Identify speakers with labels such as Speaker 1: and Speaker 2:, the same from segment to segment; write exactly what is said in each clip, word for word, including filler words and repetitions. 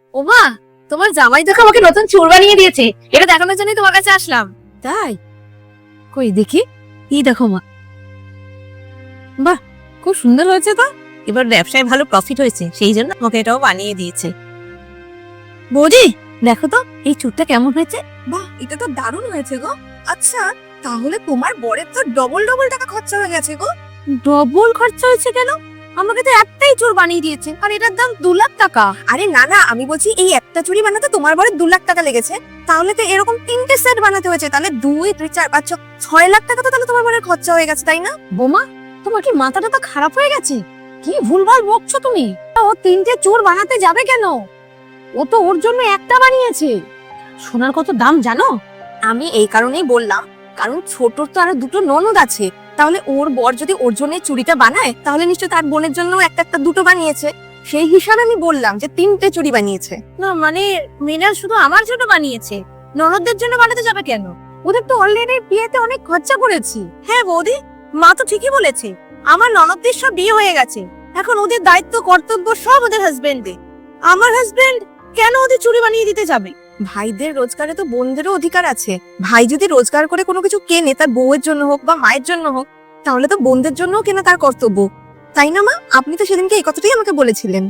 Speaker 1: ওমা, তোমার জামাই দেখো আমাকে নতুন চুল বানিয়ে দিয়েছে, এটা দেখানোর জন্যই তোমার কাছে আসলাম। তাই? কই দেখি। এই দেখো মা, বাহ খুব সুন্দর হয়েছে তো। এবার ব্যবসায় ভালো প্রফিট হয়েছে, সেই জন্য আমাকে এটাও বানিয়ে দিয়েছে। বৌদি দেখো তো এই চুলটা কেমন হয়েছে। বাহ, এটা তো দারুণ হয়েছে গো। আচ্ছা, তাহলে তোমার বরের তো ডবল ডবল টাকা খরচা হয়ে গেছে গো। ডবল খরচা হয়েছে কেন? আমাকে তো একটাই চুল বানিয়ে দিয়েছে, আর এটার দাম দু লাখ টাকা। আরে না না, আমি বলছি এই একটা চুড়ি বানাতে তোমার বরের দু লাখ টাকা লেগেছে, তাহলে তো এরকম তিনটে সেট বানাতে হয়েছে, তাহলে দুই দুই চার পাঁচ ছ- ছয় লাখ টাকা তো তাহলে তোমার বরের খরচা হয়ে গেছে, তাই না? বোমা, তোমার কি মাথাটা তো খারাপ হয়ে গেছে? কি ভুলভাল বকছো তুমি। ও তিনটে চুল বানাতে যাবে কেন? ও তো ওর জন্য একটা বানিয়েছে। সোনার কত দাম জানো? আমি এই কারণেই বললাম, কারণ ছোটর তো আরো দুটো ননদ আছে, তাহলে ওর বর যদি ওর জন্য চুড়িটা বানায়, তাহলে নিশ্চয় তার বোনের জন্য একটা একটা দুটো বানিয়েছে। সেই হিসাবে আমি বললাম যে তিনটে চুড়ি বানিয়েছে। না মানে মৃণাল শুধু আমার জন্য বানিয়েছে, ননদদের জন্য বানাতে যাবে কেন? ওদের তো অলরেডি বিয়েতে অনেক খরচা করেছি। হ্যাঁ বৌদি, মা তো ঠিকই বলেছে, আমার ননদদের সব বিয়ে হয়ে গেছে, এখন ওদের দায়িত্ব কর্তব্য সব ওদের হাজবেন্ডে। আমার হাজবেন্ড কেন ওদের চুড়ি বানিয়ে দিতে যাবে? ভাইদের রোজগারে তো বোনদেরও অধিকার আছে। ভাই যদি রোজগার করে কোনো কিছু কেনে, তার বউয়ের জন্য হোক বা মায়ের জন্য হোক, তাহলে তো বোনদের জন্যও কেনা তার কর্তব্য, তাই না মা? আপনি তো সেদিনকে এই কথাটাই আমাকে বলেছিলেন।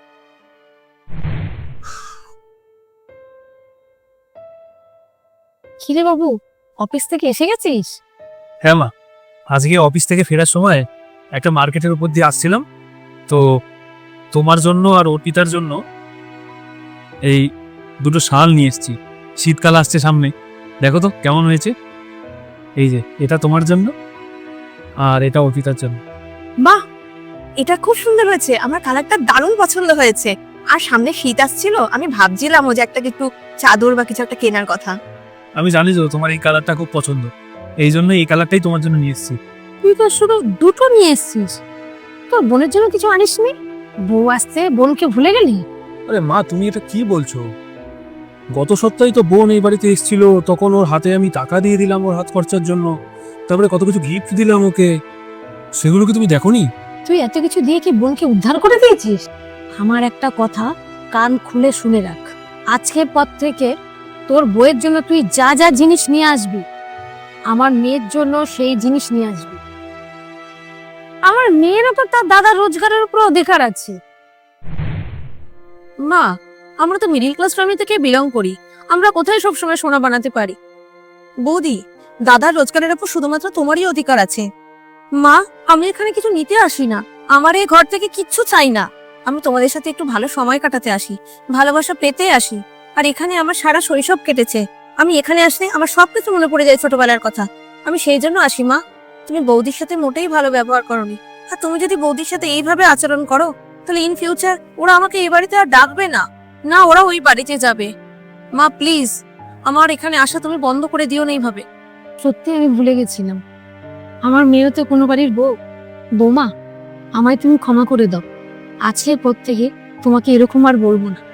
Speaker 1: কিরে বাবু, অফিস থেকে এসে গেছিস?
Speaker 2: হ্যাঁ মা, আজকে অফিস থেকে ফেরার সময় একটা মার্কেটের উপর দিয়ে আসছিলাম, তো তোমার জন্য আর অর্পিতার জন্য এই দুটো শাল নিয়ে এসেছি। শীতকাল আসছে সামনে, দেখো তো কেমন হয়েছে। এই যে এটা তোমার জন্য, আর এটা অর্পিতার জন্য।
Speaker 1: বাহ, এটা খুব সুন্দর হয়েছে, আমার কালারটা দারুণ পছন্দ হয়েছে। আর সামনে শীত আসছিল, আমি ভাবছিলাম ও যে একটা একটু চাদর বা কিছু একটা কেনার কথা।
Speaker 2: আমি জানি তো তোমার এই কালারটা খুব পছন্দ, এই জন্য এই কালারটাই তোমার জন্য নিয়ে এসেছি।
Speaker 1: তুই তো শুধু দুটো নিয়ে এসেছিস, তোর বোনের জন্য কিছু আনিসনি? বউ আসছে, বোনকে ভুলে গেলি?
Speaker 2: আরে মা, তুমি এটা কি বলছো? গত সপ্তাহে তো বোন এই বাড়িতে এসেছিল, তখন ওর হাতে আমি টাকা দিয়ে দিলাম ওর হাত খরচার জন্য, তারপরে কত কিছু গিফট দিলাম ওকে, সেগুলো কি তুমি দেখোনি?
Speaker 1: তুই এত কিছু দিয়ে কি বোনকে উদ্ধার করে দিয়েছিস? আমার একটা কথা কান খুলে শুনে রাখ, আজকের পর থেকে তোর বউয়ের জন্য তুই যা যা জিনিস নিয়ে আসবি, আমার মেয়ের জন্য সেই জিনিস নিয়ে আসবি। আমার মেয়েরও তো তার দাদার রোজগারের উপর অধিকার আছে। মা, আমরা তো মিডিল ক্লাস ফ্যামিলি থেকে বিলং করি, আমরা কোথায় সবসময় সোনা বানাতে পারি? বৌদি, দাদার রোজগারের উপর শুধুমাত্র তোমারই অধিকার আছে। মা, আমি এখানে কিছু নিতে আসি না, আমার এই ঘর থেকে কিচ্ছু চাই না। আমি তোমাদের সাথে একটু ভালো সময় কাটাতে আসি, ভালোবাসা পেতে আসি। আর এখানে আমার সারা শৈশব কেটেছে, আমি এখানে আসলে আমার সবকিছু মনে পড়ে যায় ছোটবেলার কথা। আমি সেই জন্য আসি। মা, তুমি বৌদির সাথে মোটেই ভালো ব্যবহার করোনি, আর তুমি যদি বৌদির সাথে এইভাবে আচরণ করো, তাহলে ইন ফিউচার ওরা আমাকে এই বাড়িতে আর ডাকবে না, না ওরা ওই বাড়িতে যাবে। মা প্লিজ, আমার এখানে আসা তুমি বন্ধ করে দিও না এইভাবে। সত্যি আমি ভুলে গেছিলাম, আমার মেয়েও তো কোনো বাড়ির বউ। বৌমা, আমায় তুমি ক্ষমা করে দাও, আজকের পর থেকে তোমাকে এরকম আর বলবো না।